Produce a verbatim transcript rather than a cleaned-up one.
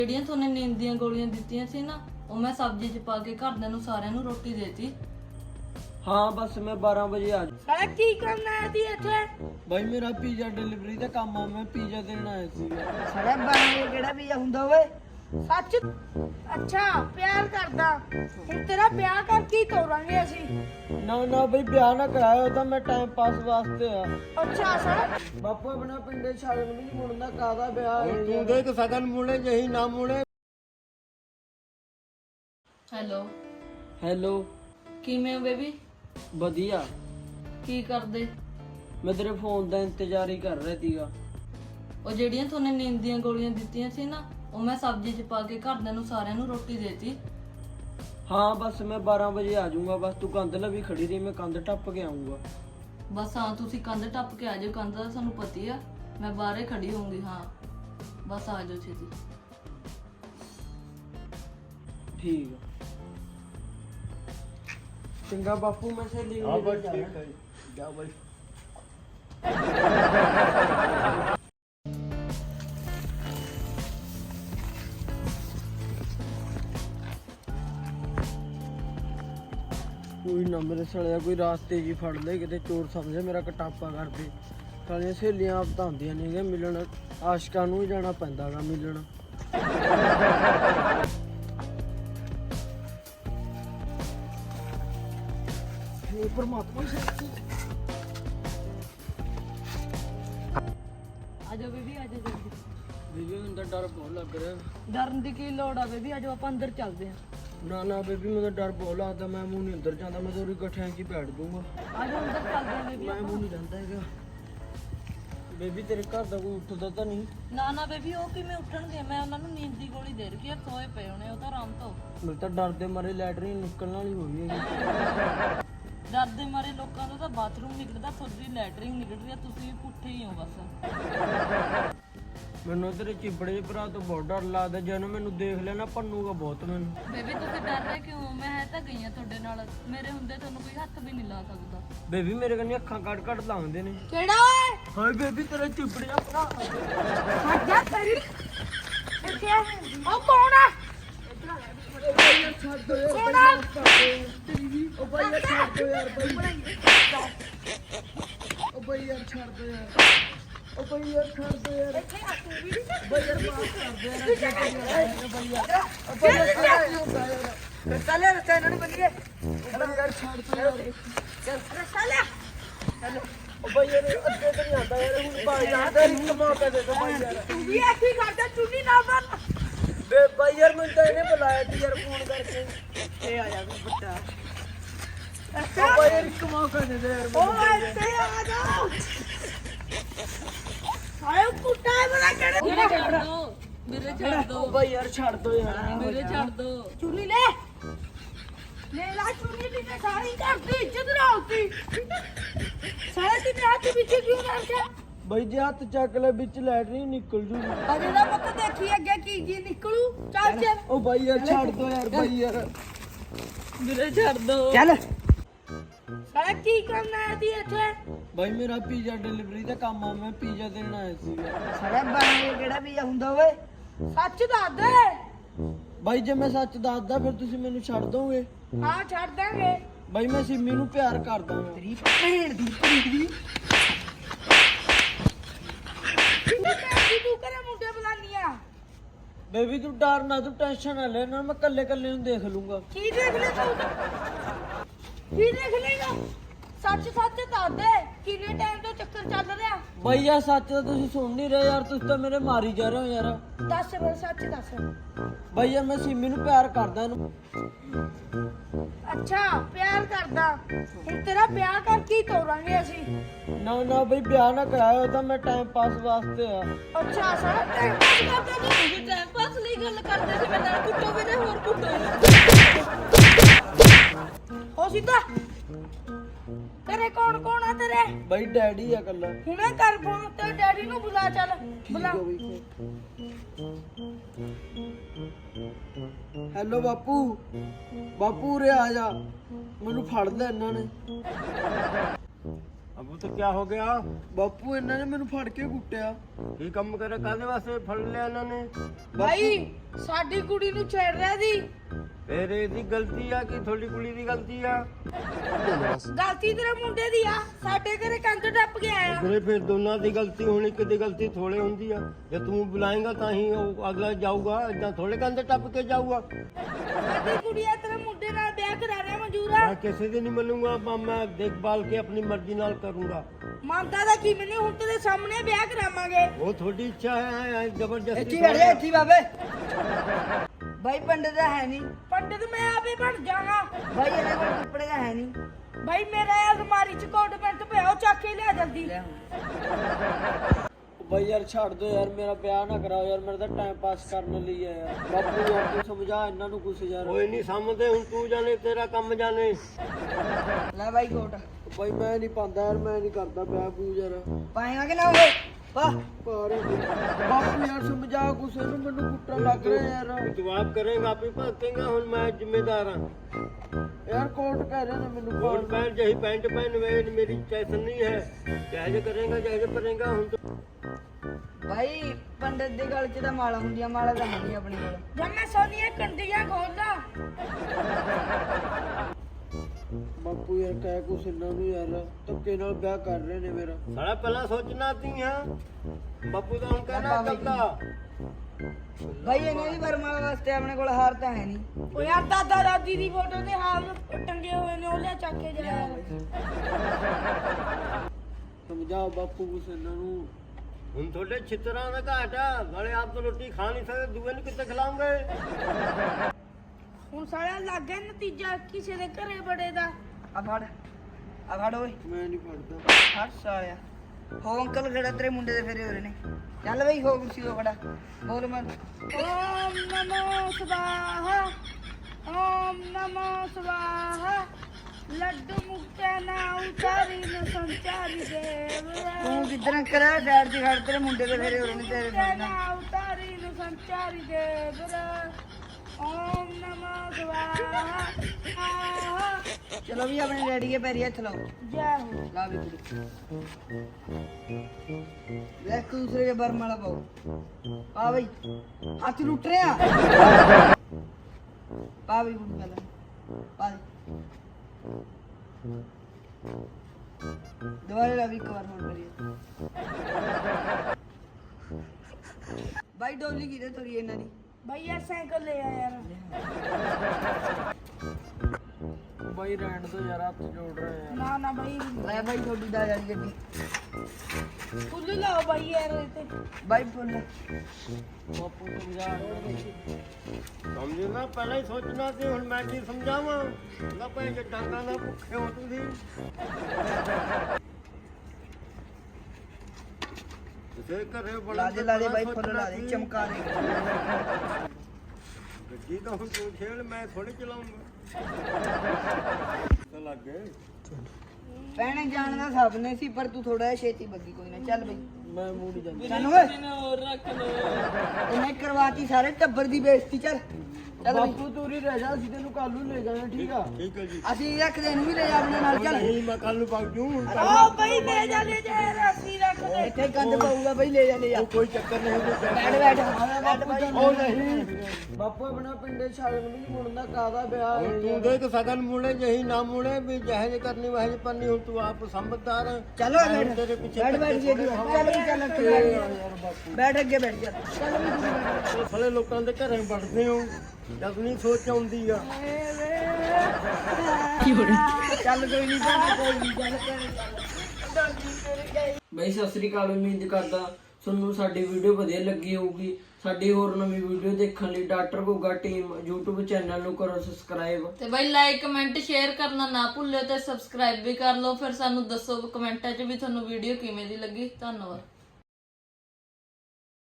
ਜਿਹੜੀਆਂ ਤੁਹਾਨੂੰ ਨੀਂਦ ਦੀਆਂ ਗੋਲੀਆਂ ਦਿੱਤੀਆਂ ਸੀ ਨਾ, ਉਹ ਮੈਂ ਸਬਜ਼ੀ 'ਚ ਪਾ ਕੇ ਘਰਦਿਆਂ ਨੂੰ ਸਾਰਿਆਂ ਨੂੰ ਰੋਟੀ ਦੇਤੀ। हाँ बस मैं बारह बजे आ जाऊँ। साला की करना है दी इथे? भाई मेरा पिज़्ज़ा डिलीवरी का काम है, मैं पिज़्ज़ा देना है सी। साला बारह केड़ा पिज़्ज़ा हुंदा ओए? सच? अच्छा प्यार करदा। हुण तेरा ब्याह कर की तोरांगे असी? ना ना भाई ब्याह ना कराया होता, मैं टाइम पास वास्ते आ। अच्छा साला बापू अपना पिंडे छागन भी नहीं मुड़ना, कादा ब्याह तू देख सगन मुड़े यही ना मुड़े। ਹੈਲੋ, हेलो ਕਿਵੇਂ ਹੋ ਬੇਬੀ? बढ़िया। ਕੀ ਕਰਦੇ? मैं तेरे फोन का इंतजार ही कर रहा थीगा। ਉਹ ਜਿਹੜੀਆਂ ਤੁਹਾਨੂੰ ਨੀਂਦ ਦੀਆਂ ਗੋਲੀਆਂ ਦਿੱਤੀਆਂ ਸੀ ਨਾ, ਉਹ ਮੈਂ ਸਬਜ਼ੀ 'ਚ ਪਾ ਕੇ ਘਰਦਿਆਂ ਨੂੰ ਸਾਰਿਆਂ ਨੂੰ ਰੋਟੀ ਦੇਤੀ। हाँ बस मैं बारह बजे आ जाऊंगा, बस तू कंध लवी खड़ी रही, मैं कंध टप के आऊंगा। ਬਸ ਹਾਂ, ਤੁਸੀਂ ਕੰਧ ਟੱਪ ਕੇ ਆ ਜਾਓ, ਕੰਧ ਦਾ ਸਾਨੂੰ ਪਤੀ ਆ, ਮੈਂ ਬਾਹਰੇ ਖੜੀ ਹੋਊਂਗੀ। ਹਾਂ ਬਸ ਆ ਜਾਓ ਛੇਤੀ। ठीक है चंगा बापू, मैं सहेली हाँ को बस लेकर ठीक जाना। है, जाओ भाई। कोई ना मेरे सड़िया कोई रास्ते जी फड़ ले, किते चोर समझे मेरा कटापा कर दे। सालियां सहेलियां आप तो आंदियां नहीं गे मिलन, आशिकां नूं ही जाना पैंदा गा मिलन। हे परमात्मा शक्ति। ਆ ਜਾਓ ਬੇਬੀ, ਆ ਜਾਓ ਜਲਦੀ। बेबी मैनूं तां डर बहुत लग रहा है। ਡਰਨ ਦੀ ਕੀ ਲੋੜ ਆ ਬੇਬੀ, ਆ ਜਾਓ ਆਪਾਂ ਅੰਦਰ ਚੱਲਦੇ ਆਂ। ना ना बेबी मैं तो डर बहुत लगता, मैं मुंह नहीं अंदर जाता, मैं तो उरी गठिया च ही बैठ दूंगा। ਆ ਜਾਓ ਅੰਦਰ ਚੱਲਦੇ ਆਂ ਬੇਬੀ। मैं मुंह नहीं जाता हैगा। बेबी तेरे घर का कोई उठदा तो नहीं? ਨਾ ਨਾ ਬੇਬੀ, ਉਹ ਕਿਵੇਂ ਉੱਠਣਗੇ? ਮੈਂ ਉਹਨਾਂ ਨੂੰ ਨੀਂਦ ਦੀ ਗੋਲੀ ਦੇ ਰੱਖੀ ਆ, ਸੋਏ ਪਏ ਹੋਣੇ, ਉਹ ਤਾਂ ਆਰਾਮ ਤੋਂ। मेरे तो डर दे मारे लैटरिन निकलने वाली हो गई है। ਡਰ ਦੇ ਮਾਰੇ ਲੋਕਾਂ ਦਾ ਤਾਂ ਬਾਥਰੂਮ ਨਿਕਲਦਾ, ਤੁਹਾਡੀ ਲੈਟਰਿੰਗ ਨਿਕਲ ਰਹੀ ਆ, ਤੁਸੀਂ ਵੀ ਪੁੱਠੇ ਹੀ ਹੋ ਬਸ। ਮੈਨੂੰ ਤੇਰੇ ਚਿਬੜੇ ਦੇ ਭਰਾ ਤੋਂ ਬਹੁਤ ਡਰ ਲੱਗਦਾ, ਜਦੋਂ ਮੈਨੂੰ ਦੇਖ ਲੈਣਾ ਪੰਨੂਗਾ ਬਹੁਤ ਮੈਨੂੰ। ਬੇਬੀ ਤੁਸੀਂ ਡਰ ਰਹੇ ਕਿਉਂ? ਮੈਂ ਹੈ ਤਾਂ ਗਈ ਆ ਤੁਹਾਡੇ ਨਾਲ, ਮੇਰੇ ਹੁੰਦੇ ਤੁਹਾਨੂੰ ਕੋਈ ਹੱਥ ਵੀ ਨਹੀਂ ਲਾ ਸਕਦਾ। ਬੇਬੀ ਮੇਰੇ ਕੰਨੀ ਅੱਖਾਂ ਕੱਢ ਕੱਢ ਲਾਉਂਦੇ ਨੇ। केड़ा ओए? ਹਾਏ ਬੇਬੀ ਤੇਰੇ ਚਿਬੜੇ ਦਾ ਭਰਾ। हट जा तेरी इथे ओ कौन है? कौन है? ਉਹ ਬਾਈ ਯਾਰ ਛੱਡ ਦੋ ਯਾਰ ਬਾਈ। ਉਹ ਬਾਈ ਯਾਰ ਛੱਡ ਦੋ ਯਾਰ। ਉਹ ਬਾਈ ਯਾਰ ਛੱਡ ਦੋ ਯਾਰ। इथे आ तू भी ਬਾਈ ਯਾਰ ਮਾਫ ਕਰ ਦੇ ਯਾਰ। ਅੱਗੇ ਤੋਂ ਨਹੀਂ ਆਏਗਾ ਬਾਈ ਯਾਰ। ਉਹ ਬਾਈ ਯਾਰ ਕੀ ਹੁੰਦਾ ਯਾਰ। चले रस्ते इन्होंने बनिए ਉਹ ਬਾਈ ਯਾਰ ਛੱਡ ਦੋ ਯਾਰ। चल चले ਉਹ ਬਾਈ ਯਾਰ ਅੱਗੇ ਤੋਂ ਨਹੀਂ ਆਉਂਦਾ ਯਾਰ, ਹੁਣ ਬਾਈ ਯਾਰ ਦਾ ਇੱਕ ਮੌਕਾ ਦੇ ਦੋ ਬਾਈ ਯਾਰ। तू भी ऐसी करदा चुन्नी ना बन ਬੇ ਬਾਈ ਯਾਰ ਮੈਨੂੰ ਤਾਂ ਇਹਨੇ ਬੁਲਾਇਆ ਸੀ ਯਾਰ ਫੋਨ ਕਰਕੇ। ਇਹ ਆਇਆ ਵੀ ਵੱਡਾ। ਉਹ ਬਾਈ ਯਾਰ ਇੱਕ ਮੌਕਾ ਦੇ ਦੇ ਯਾਰ ओ ਮੈਨੂੰ। ऐसे आ जाओ आयो कुत्ता है बड़ा केड़े ਮੇਰੇ ਛੱਡ ਦੋ, ਮੇਰੇ ਛੱਡ ਦੋ, ਉਹ ਬਾਈ ਯਾਰ ਛੱਡ ਦੋ ਯਾਰ। ਮੇਰੇ ਛੱਡ ਦੋ। चुन्नी ले ले ला चुन्नी दी ने सारी करती इज्जत ना होती सारे दिन हाथ पीछे क्यों रखा ਬਾਈ ਜੇ ਹੱਥ ਚੱਕ ਲੈ ਵਿੱਚ ਲੈਟਰਿਨ ਨਿਕਲ ਜੂ। अजे दा पता देखी अगे की की निकलू चल चल ਉਹ ਬਾਈ ਯਾਰ ਛੱਡ ਦੋ ਯਾਰ ਬਾਈ ਯਾਰ। ਮੇਰੇ ਛੱਡ ਦੋ। चल साला की करना है दी इथे? ਬਾਈ ਮੇਰਾ ਪੀਜ਼ਾ ਡਿਲੀਵਰੀ ਦਾ ਕੰਮ ਆ, ਮੈਂ ਪੀਜ਼ਾ ਦੇਣ ਆਇਆ ਸੀ। साला बारह केड़ा पिज़्ज़ा हुंदा ओए? सच दस दे ਬਾਈ ਜੇ ਮੈਂ ਸੱਚ ਦੱਸਦਾ ਫਿਰ ਤੁਸੀਂ ਮੈਨੂੰ ਛੱਡ ਦੋਗੇ? हां छड़ देंगे ਬਾਈ ਮੈਂ ਸਿੰਮੀ ਨੂੰ ਪਿਆਰ ਕਰਦਾ ਹਾਂ। तेरी भैन दी भैन दी तू करे मुंडे बुलानिया ਬੇਬੀ ਤੂੰ ਡਰ ਨਾ, ਤੂੰ ਟੈਨਸ਼ਨ ਨਾ ਲੈ ਨਾ, ਮੈਂ ਕੱਲੇ ਕੱਲੇ ਨੂੰ ਦੇਖ ਲੂੰਗਾ। की देख ले तू की देख लेगा सच सच दस दे किन्ने टाइम तो चक्कर चल रहा ਬਾਈ ਯਾਰ ਸੱਚ ਤਾਂ ਤੁਸੀਂ ਸੁਣ ਨਹੀਂ ਰਹੇ ਯਾਰ, ਤੁਸੀਂ ਤਾਂ ਮੇਰੇ ਮਾਰੀ ਜਾ ਰਹੇ ਹੋ ਯਾਰ। दस बे सच दस ਬਾਈ ਯਾਰ ਮੈਂ ਸਿੰਮੀ ਨੂੰ ਪਿਆਰ ਕਰਦਾ ਇਹਨੂੰ। अच्छा प्यार करदा हुण तेरा ब्याह कर की तोरांगे असी ਨਾ ਨਾ ਬਈ ਵਿਆਹ ਨਾ ਕਰਾਇਆ ਹੋਤਾ, ਮੈਂ ਟਾਈਮ ਪਾਸ ਵਾਸਤੇ ਆ। अच्छा सारा टाइम पास करदा तू ਤੁਸੀਂ ਟਾਈਮ ਪਾਸ ਲਈ ਗੱਲ ਕਰਦੇ ਸੀ, ਮੇਰੇ ਨਾਲ ਕੁੱਟੋ ਵੀਰੇ, ਹੋਰ ਕੁੱਟੋ। हो सीधा तेरे कौन कौन है तेरे ਬਾਈ ਡੈਡੀ ਆ ਕੱਲਾ। हुणे कर फोन ते डैडी नु बुला चल बुला ਹੈਲੋ ਬਾਪੂ। ਬਾਪੂ ਉਰੇ ਆ ਜਾ, ਮੈਨੂੰ ਫੜ ਲੈ ਇਹਨਾਂ ਨੇ। अब तो क्या हो गया ਬਾਪੂ ਇਹਨਾਂ ਨੇ ਮੈਨੂੰ ਫੜ ਕੇ ਕੁੱਟਿਆ। ਕੀ ਕੰਮ ਕਰੇ ਕਾਹਦੇ ਵਾਸਤੇ ਫੜ ਲਿਆ ਇਹਨਾਂ ਨੇ ਭਾਈ ਸਾਡੀ ਕੁੜੀ ਨੂੰ ਛੇੜ ਰਿਹਾ ਸੀ। ਫੇਰ ਇਹਦੀ ਗਲਤੀ ਆ ਕਿ ਤੁਹਾਡੀ ਕੁੜੀ ਦੀ ਗਲਤੀ ਆ ਗਲਤੀ ਤੇਰੇ ਮੁੰਡੇ ਦੀ ਆ, ਸਾਡੇ ਘਰੇ ਕੰਧ ਟੱਪ ਕੇ ਆਇਆ। ਵੀਰੇ ਫਿਰ ਦੋਨਾਂ ਦੀ ਗਲਤੀ ਹੋਣੀ, ਕਿਤੇ ਗਲਤੀ ਥੋੜੇ ਹੁੰਦੀ ਆ। ਜੇ ਤੂੰ ਬੁਲਾਏਗਾ ਤਾਂ ਹੀ ਉਹ ਅਗਲਾ ਜਾਊਗਾ, ਏਦਾਂ ਥੋੜੇ ਕੰਧ ਟੱਪ ਕੇ ਜਾਊਗਾ। ਸਾਡੀ ਕੁੜੀ ਆ ਤੇਰੇ ਮੁੰਡੇ ਨਾਲ ਵਿਆਹ ਕਰਾਣਾ ਮਨਜ਼ੂਰ ਆ। ਮੈਂ ਕਿਸੇ ਦੀ ਨਹੀਂ ਮੰਨੂਗਾ, ਮੈਂ- ਮੈਂ ਦੇਖਭਾਲ ਕੇ ਆਪਣੀ ਮਰਜ਼ੀ ਨਾਲ ਕਰੂੰਗਾ। ਮੰਨਦਾ ਤਾਂ ਕੀ ਮੈਨੂੰ ਹੁਣ ਤੇਰੇ ਸਾਹਮਣੇ ਵਿਆਹ ਕਰਾਵਾਂਗੇ। ਉਹ ਤੁਹਾਡੀ ਇੱਛਾ ਹੈ, ਜ਼ਬਰਦਸਤੀ ਇੱਥੇ ਬੈਠ ਜਾ, ਇੱਥੇ ਬਾਬੇ। भाई पंडित है नहीं ਪੰਡਿਤ ਮੈਂ ਆਪੇ ਬਣ ਜਾਵਾਂ। भाई ये कोई कपड़े का है नहीं ਭਾਈ ਮੇਰਾ ਅਲਮਾਰੀ ਚ ਕੋਟ ਪੈਂਟ ਪਿਆ, ਉਹ ਚੱਕ ਕੇ ਲਿਆ ਜਲਦੀ। ਬਾਈ ਯਾਰ ਛੱਡ ਦੋ ਯਾਰ, ਮੇਰਾ ਵਿਆਹ ਨਾ ਕਰਾਓ ਯਾਰ, ਮੇਰਾ ਤਾਂ ਟਾਈਮ ਪਾਸ ਕਰਨ ਲਈ ਆ ਯਾਰ। ਬਾਪੂ ਯਾਰ ਤੂੰ ਸਮਝਾ ਇਹਨਾਂ ਨੂੰ ਕੁਛ ਯਾਰ। ਕੋਈ ਨਹੀਂ ਸਮਝਦੇ, ਹੁਣ ਤੂੰ ਜਾਣੇ ਤੇਰਾ ਕੰਮ ਜਾਣੇ। ला भाई कोट ਬਾਈ ਮੈਂ ਨਹੀਂ ਪਾਉਂਦਾ ਯਾਰ, ਮੈਂ ਨਹੀਂ ਕਰਦਾ ਵਿਆਹ ਬੂ ਯਾਰ। पाएगा कि ना हो वाह ਪਰ ਬਾਪੂ ਯਾਰ ਸਮਝਾ ਕੁਛ ਇਹਨੂੰ, ਮੈਨੂੰ ਕੁੱਟਣ ਲੱਗ ਰਿਹਾ ਯਾਰ। ਤੂੰ ਆਪ ਕਰੇਗਾ, ਆਪੇ ਭਗਤੇਗਾ। ਹੁਣ ਮੈਂ ਜ਼ਿੰਮੇਦਾਰ ਹਾਂ। ਯਾਰ ਕੋਟ ਕਹਿ ਰਹੇ ਨੇ ਮੈਨੂੰ ਕੋਟ ਕੋਟ पैंट जही पैंट पहन वे मेरी चैसन नहीं है। जैसे करेगा जैसे करेगा हम तो भाई पंडित दी गल च तां माला हुंदियां, माला तां है नहीं अपने कोल। ਜਦ ਮੈਂ ਸੋਨੀਆਂ ਕੰਡੀਆਂ ਖੋਲਦਾ। ਬਾਪੂ ਯਾਰ ਕਹਿ ਕੁਛ ਇਹਨਾਂ ਨੂੰ ਯਾਰ, ਧੱਕੇ ਨਾਲ ਵਿਆਹ ਕਰ ਰਹੇ ਨੇ ਮੇਰਾ। सारा पहला सोचना थी है बापू का हम कहना चलता। भाई इन्हां दी वरमाला वास्ते अपने कोल हार तां है नहीं। ਉਹ ਯਾਰ ਦਾਦਾ ਦਾਦੀ ਦੀ ਫੋਟੋ ਦੇ ਹਾਲ ਟੰਗੇ ਹੋਏ ਨੇ, ਉਹ ਲਿਆ ਚੱਕ ਕੇ ਜਾ। ਸਮਝਾਓ ਬਾਪੂ ਕੁਛ ਇਹਨਾਂ ਨੂੰ। हम थोड़े छितरा का घाट है, बड़े आप तो रोटी खा नहीं सकते, दुए ने कितने खिलाओगे। ਹੁਣ ਸਾਲਿਆ ਲੱਗ ਗਿਆ ਨਤੀਜਾ ਕਿਸੇ ਦੇ ਘਰੇ ਬੜੇ ਦਾ। आ फड़ आ फड़ ओए ਮੈਂ ਨਹੀਂ ਫੜਦਾ। फड़ सालिया हो अंकल खड़ा तेरे मुंडे दे फेरे हो रहे ने। चल भाई हो कुर्सी हो खड़ा बोल मत ਓਮ ਨਮੋ ਸਵਾਹਾ, ਓਮ ਨਮੋ ਸਵਾਹਾ। ਲੱਡੂ ਮੁਕਤਾ ਨਾ ਉਤਾਰੀ ਨ ਸੰਚਾਰੀ ਦੇਵ। तू किधर अंकल है साइड से खड़, तेरे मुंडे दे फेरे हो रहे ने तेरे ਮੁਕਤਾ मुंडे ਨਾ ਉਤਾਰੀ ਨ ਸੰਚਾਰੀ ਦੇਵ। ਓਮ ਨਮੋ ਸਵਾਹਾ। ਆਹਾ चलो भी अपने डैडी के पैरी हथ लाओ। ਜੈ ਹੋ। ला भी कुड़ी देख दूसरे के बरमाला पाओ। पा भाई हाथ लुट रहे हैं। पा भाई कुड़ी पहले पा दे। दोबारा ला भी कवर मोड़ करिए। भाई डोली की दे थोड़ी इन्हां दी। ਭਾਈ ਯਾਰ ਸਾਈਕਲ ਲੈ ਆ ਯਾਰ। ਬਾਈ ਰਹਿਣ ਦੋ ਯਾਰ, ਹੱਥ ਜੋੜ ਰਹੇ ਯਾਰ। ਨਾ ਨਾ ਭਾਈ ले भाई थोड़ी दा वाली गड्डी ਫੁੱਲ ਲਾਓ ਭਾਈ ਯਾਰ ਇਹ ਤੇ। भाई फुल ਬਾਪੂ ਸਮਝਾ ਇਹਨਾਂ ਨੂੰ। समझे ना, पहले ही सोचना थी। हुन मैं की समझावा ना पे जे डांगा ना भुखे हो तुसी। इसे करे बड़ा ला दे ला दे भाई फुल ला दे चमका दे। गड्डी तो हुन तू खेल, मैं थोड़ी चलाऊंगा। तो लग गए ਭੈਣੇ ਜਾਣ ਦਾ ਸਭ ਨੇ ਸੀ, ਪਰ ਤੂੰ ਥੋੜਾ ਜਿਹਾ ਛੇਤੀ ਬੱਗੀ। ਕੋਈ ਨਾ ਚੱਲ ਬਈ ਮੈਂ ਮੂੰਹ ਨਹੀਂ ਜਾਂਦਾ। ਚੱਲ ਓਏ ਇਹਨੇ ਕਰਵਾਤੀ ਸਾਰੇ ਟੱਬਰ ਦੀ ਬੇਇੱਜ਼ਤੀ। ਚੱਲ ਚੱਲ ਬਈ ਬਾਪੂ ਤੂੰ ਹੀ ਰਹਿ ਜਾ, ਅਸੀਂ ਤੈਨੂੰ ਕੱਲ ਨੂੰ ਲੈ ਜਾਣਾ, ਠੀਕ ਆ? ठीक है जी। ਅਸੀਂ ਰੱਖਦੇ ਇਹਨੂੰ ਵੀ ਲੈ ਜਾ ਆਪਣੇ ਨਾਲ। ਚੱਲ नहीं मैं कल भाग जूं। ਆਓ ਭਾਈ ਲੈ ਜਾ ਲੈ ਜਾ ਯਾਰ, ਅਸੀਂ ਰੱਖ ਦੇ। ਇੱਥੇ ਗੰਦ ਪਊਗਾ ਬਈ, ਲੈ ਜਾ ਲੈ ਜਾ। कोई चक्कर नहीं, कोई चक्कर ਬੈਠ ਬੈਠ ਬੈਠ ਭਾਈ। ਉਹ ਨਹੀਂ ਬਾਪੂ, ਆਪਣਾ ਪਿੰਡੇ ਛਾਗਣ ਵੀ ਨਹੀਂ ਮੁੜਦਾ, ਕਾਹਦਾ ਵਿਆਹ ਹੈ तू ਯਾਰ। देख सगन मुड़े यही ना मुड़े भी, जहज करनी वहज करनी। हूं तू आप समझदार है। चलो मैं बैठ तेरे पीछे बैठ बैठ धक्के जी थोड़े ਚੱਲ ਵੀ ਚੱਲ ਅੱਗੇ ਬੈਠ ਯਾਰ ਬਾਪੂ ਬੈਠ ਅੱਗੇ ਬੈਠ ਚੱਲ ਚੱਲ ਵੀ ਤੁਸੀਂ ਬੈਠ। ਉਹ ਸਾਲੇ ਲੋਕਾਂ ਦੇ ਘਰੇ ਵੜਦੇ ਹੋ, ਜਦ ਨਹੀਂ ਸੋਚ ਆਉਂਦੀ ਆ। ਚੱਲ ਕੋਈ ਨਹੀਂ ਭੈਣੇ, ਕੋਈ ਨਹੀਂ ਚੱਲ ਭੈਣੇ ਚੱਲ। ਬਈ ਸਤਿ ਸ੍ਰੀ ਅਕਾਲ, ਉਮੀਦ ਕਰਦਾ ਤੁਹਾਨੂੰ ਸਾਡੀ ਵੀਡੀਓ ਵਧੀਆ ਲੱਗੀ ਹੋਊਗੀ। ਸਾਡੀ ਹੋਰ ਨਵੀਂ ਵੀਡੀਓ ਦੇਖਣ ਲਈ doctor Goga team YouTube channel ਨੂੰ ਕਰੋ ਸਬਸਕ੍ਰਾਈਬ। ਤੇ ਬਾਈ ਲਾਈਕ ਕਮੈਂਟ ਸ਼ੇਅਰ ਕਰਨਾ ਨਾ ਭੁੱਲਿਓ ਤੇ ਸਬਸਕ੍ਰਾਈਬ ਵੀ ਕਰ ਲਓ। ਫਿਰ ਸਾਨੂੰ ਦੱਸੋ ਕਮੈਂਟਾਂ 'ਚ ਵੀ ਤੁਹਾਨੂੰ ਵੀਡੀਓ ਕਿਵੇਂ ਦੀ ਲੱਗੀ। ਧੰਨਵਾਦ।